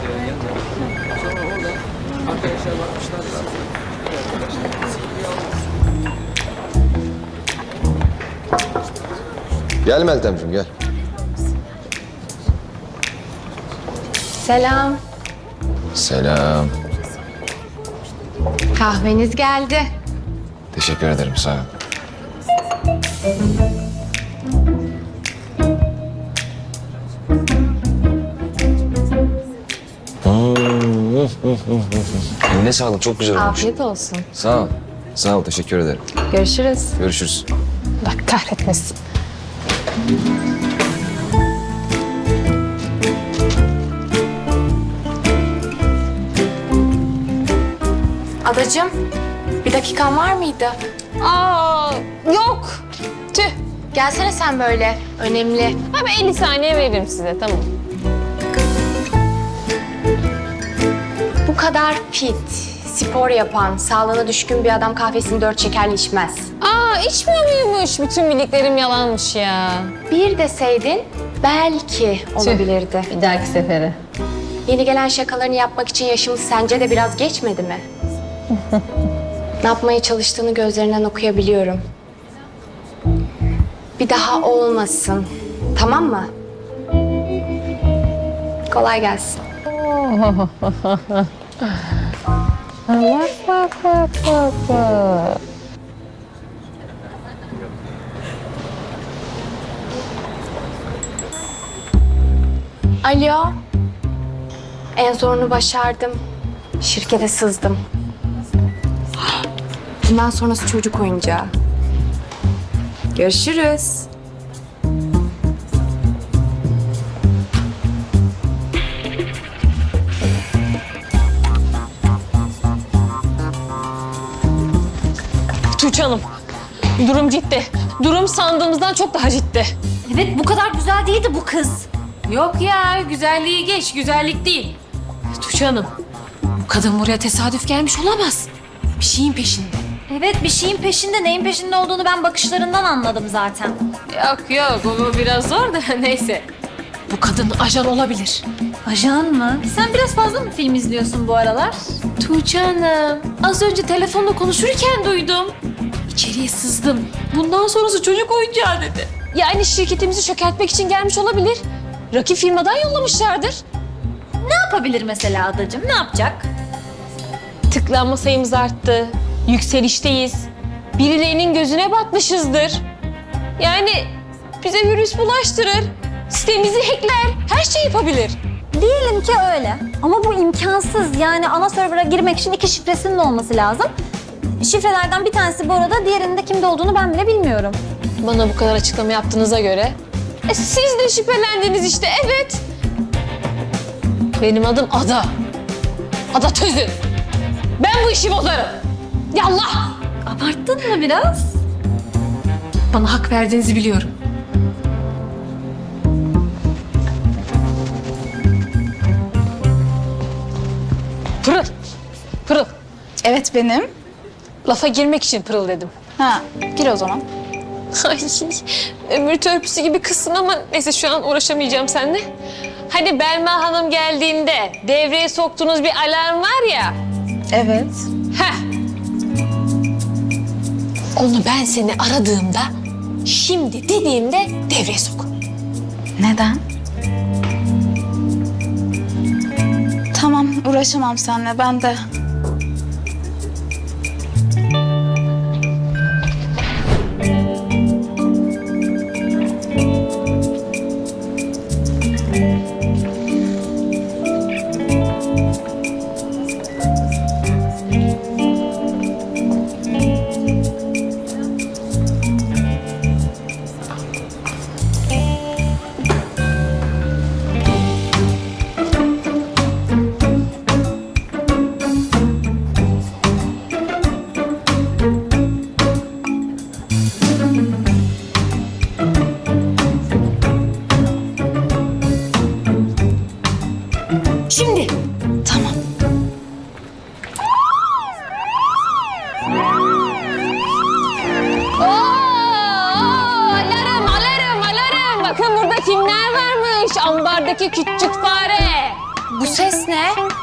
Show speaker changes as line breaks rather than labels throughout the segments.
Sonra orada arkadaşlar bakmışlar.
Gel Meltemciğim gel.
Selam.
Selam.
Kahveniz geldi.
Teşekkür ederim sağ ol. Eline sağlık çok güzel olmuş.
Afiyet olsun.
Sağ ol. Sağ ol teşekkür ederim.
Görüşürüz.
Görüşürüz.
Bak kahretmesin. Adacığım, bir dakikan var mıydı?
Aa, yok. Tüh.
Gelsene sen böyle. Önemli.
Ben 50 saniye veririm size, tamam.
Bu kadar fit, spor yapan, sağlığına düşkün bir adam kahvesini 4 şekerli içmez.
Aa, içmiyor muymuş? Bütün bildiklerim yalanmış ya.
Bir deseydin belki olabilirdi.
Bir dahaki sefere.
Yeni gelen şakalarını yapmak için yaşımız sence de biraz geçmedi mi? Ne yapmaya çalıştığını gözlerinden okuyabiliyorum. Bir daha olmasın. Tamam mı? Kolay gelsin.
Bak.
Alo. En zorunu başardım. Şirkete sızdım. Bundan sonrası çocuk oyuncağı. Görüşürüz.
Tuğçe Hanım, durum ciddi. Durum sandığımızdan çok daha ciddi.
Evet, bu kadar güzel değildi bu kız.
Yok ya, güzelliği geç, güzellik değil. Tuğçe Hanım, bu kadın buraya tesadüf gelmiş olamaz. Bir şeyin peşinde.
Evet, bir şeyin peşinde. Neyin peşinde olduğunu ben bakışlarından anladım zaten.
Yok, bu biraz zor da neyse. Bu kadın ajan olabilir.
Ajan mı? Sen biraz fazla mı film izliyorsun bu aralar?
Tuğçe Hanım, az önce telefonla konuşurken duydum. İçeriye sızdım. Bundan sonrası çocuk oyuncağı dedi.
Yani şirketimizi çökertmek için gelmiş olabilir. Rakip firmadan yollamışlardır.
Ne yapabilir mesela adacığım? Ne yapacak?
Tıklanma sayımız arttı. Yükselişteyiz. Birilerinin gözüne batmışızdır. Yani bize virüs bulaştırır. Sitemizi hackler. Her şey yapabilir.
Diyelim ki öyle. Ama bu imkansız. Yani ana server'a girmek için 2 şifresinin olması lazım. Şifrelerden bir tanesi bu arada, diğerinin de kimde olduğunu ben bile bilmiyorum.
Bana bu kadar açıklama yaptığınıza göre siz de şüphelendiniz işte, evet. Benim adım Ada. Ada Tözün. Ben bu işi bozarım. Yallah.
Abarttın mı biraz?
Bana hak verdiğinizi biliyorum.
Pırıl. Pırıl.
Evet benim.
Lafa girmek için pırıl dedim.
Ha, gir o zaman.
Ay, ömür törpüsü gibi kızsın ama neyse şu an uğraşamayacağım seninle. Hani Belma Hanım geldiğinde devreye soktuğunuz bir alarm var ya.
Evet.
Heh. Onu ben seni aradığımda, şimdi dediğimde devreye sok.
Neden? Tamam, uğraşamam seninle. Ben de.
Şimdi.
Tamam.
Alarm. Bakın burada kimler varmış? Ambardaki küçük fare.
Bu ses ne?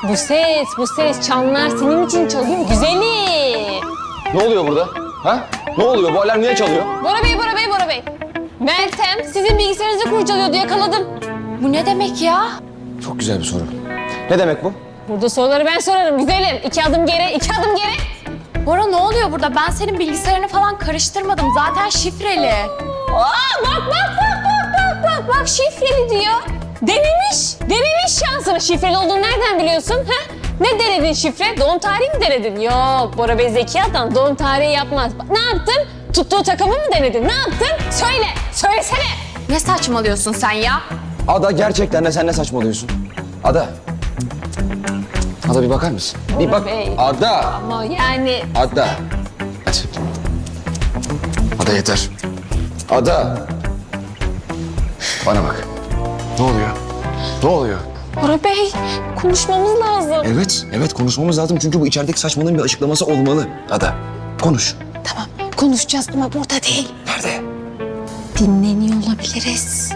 Bu ses çanlar senin için çalıyor güzelim.
Ne oluyor burada? Ha? Ne oluyor? Bu alarm niye çalıyor?
Bora Bey. Meltem sizin bilgisayarınızı kurcalıyordu, yakaladım.
Bu ne demek ya?
Çok güzel bir soru. Ne demek bu?
Burada soruları ben sorarım güzelim. 2 adım geri.
Bora ne oluyor burada? Ben senin bilgisayarını falan karıştırmadım. Zaten şifreli.
Aa, bak şifreli diyor. Denemiş şansını. Şifreli olduğunu nereden biliyorsun? Ha? Ne denedin şifre? Doğum tarihi mi denedin? Yok, Bora Bey zeki adam doğum tarihi yapmaz. Bak, ne yaptın? Tuttuğu takımı mı denedin? Ne yaptın? Söylesene.
Ne saçmalıyorsun sen ya?
Ada gerçekten de sen ne saçmalıyorsun? Ada. Ada bir bakar mısın? Bir bak.
Bey.
Ada.
Ama yani
Ada. Hadi. Ada yeter. Ada. Bana bak. Ne oluyor? Ne oluyor?
Bora Bey konuşmamız lazım.
Evet konuşmamız lazım çünkü bu içerideki saçmalığın bir açıklaması olmalı. Ada, konuş.
Tamam konuşacağız ama burada değil.
Nerede?
Dinleniyor olabiliriz.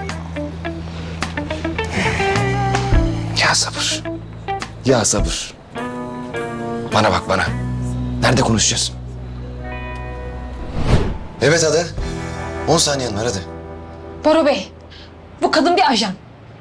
Ya sabır. Ya sabır. Bana bak bana. Nerede konuşacağız? Evet Ada. 10 saniyen var hadi.
Bora Bey, bu kadın bir ajan.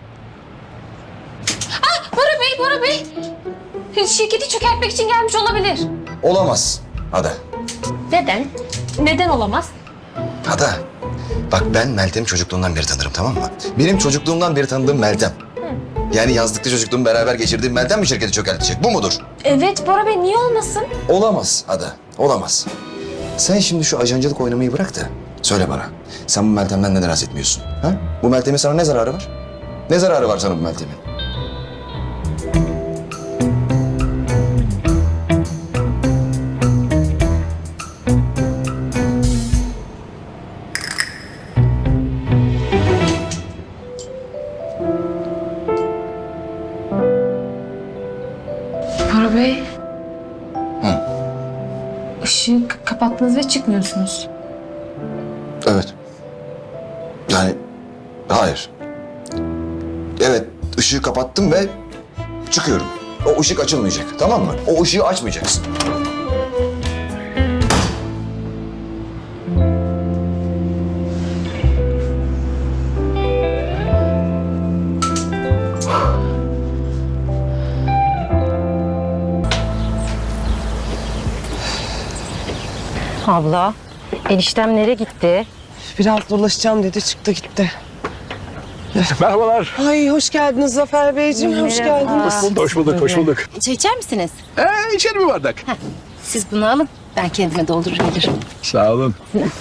Bora Bey. Şirketi çökertmek için gelmiş olabilir.
Olamaz Ada.
Neden? Neden olamaz?
Ada. Bak ben Meltem'i çocukluğumdan beri tanırım tamam mı? Benim çocukluğumdan beri tanıdığım Meltem. Yani yazlıkta çocukluğumu beraber geçirdiğim Meltem mi şirketi çökertecek? Bu mudur?
Evet Bora Bey, niye olmasın?
Olamaz Ada. Olamaz. Sen şimdi şu ajancılık oynamayı bırak da söyle bana. Sen bu Meltem'den neden rahatsız etmiyorsun? Ha? Bu Meltem'in sana ne zararı var? Ne zararı var sana bu Meltem'in?
Bora Bey.
Hı.
Işığı kapattınız ve çıkmıyorsunuz.
Evet. Yani hayır. Evet ışığı kapattım ve çıkıyorum. O ışık açılmayacak tamam mı? O ışığı açmayacaksın.
Abla, eniştem nereye gitti?
Biraz dolaşacağım dedi çıktı gitti.
Merhabalar.
Ay hoş geldiniz Zafer Beyciğim hoş geldiniz.
Hoş bulduk.
Çay içer misiniz?
İçerim bir bardak.
Siz bunu alın, ben kendime doldurur gelirim.
Sağ olun.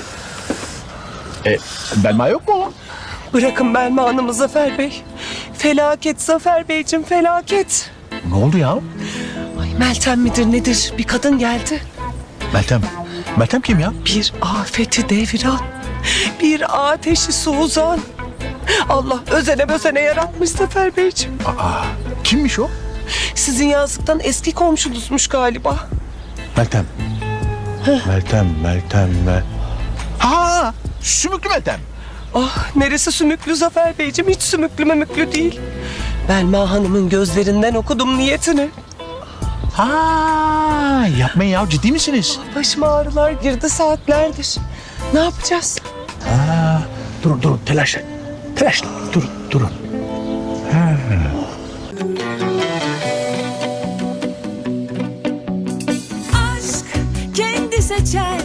Belma yok mu?
Bırakın Belma Hanım'ı Zafer Bey. Felaket Zafer Beyciğim felaket.
Ne oldu ya?
Ay Meltem midir nedir bir kadın geldi.
Meltem. Meltem kim ya?
Bir afeti deviran. Bir ateşi suzan. Allah özene yaratmış Zafer Beyciğim.
Kimmiş o?
Sizin yazlıktan eski komşunuzmuş galiba.
Meltem. Meltem. Ha! Sümüklü Meltem.
Ah neresi sümüklü Zafer Beyciğim hiç sümüklü memüklü değil. Belma Hanım'ın gözlerinden okudum niyetini.
Ha! Yapmayın ya ciddi misiniz?
Başıma ağrılar girdi saatlerdir. Ne yapacağız?
Durun telaş. Durun.
Aşk kendi seçer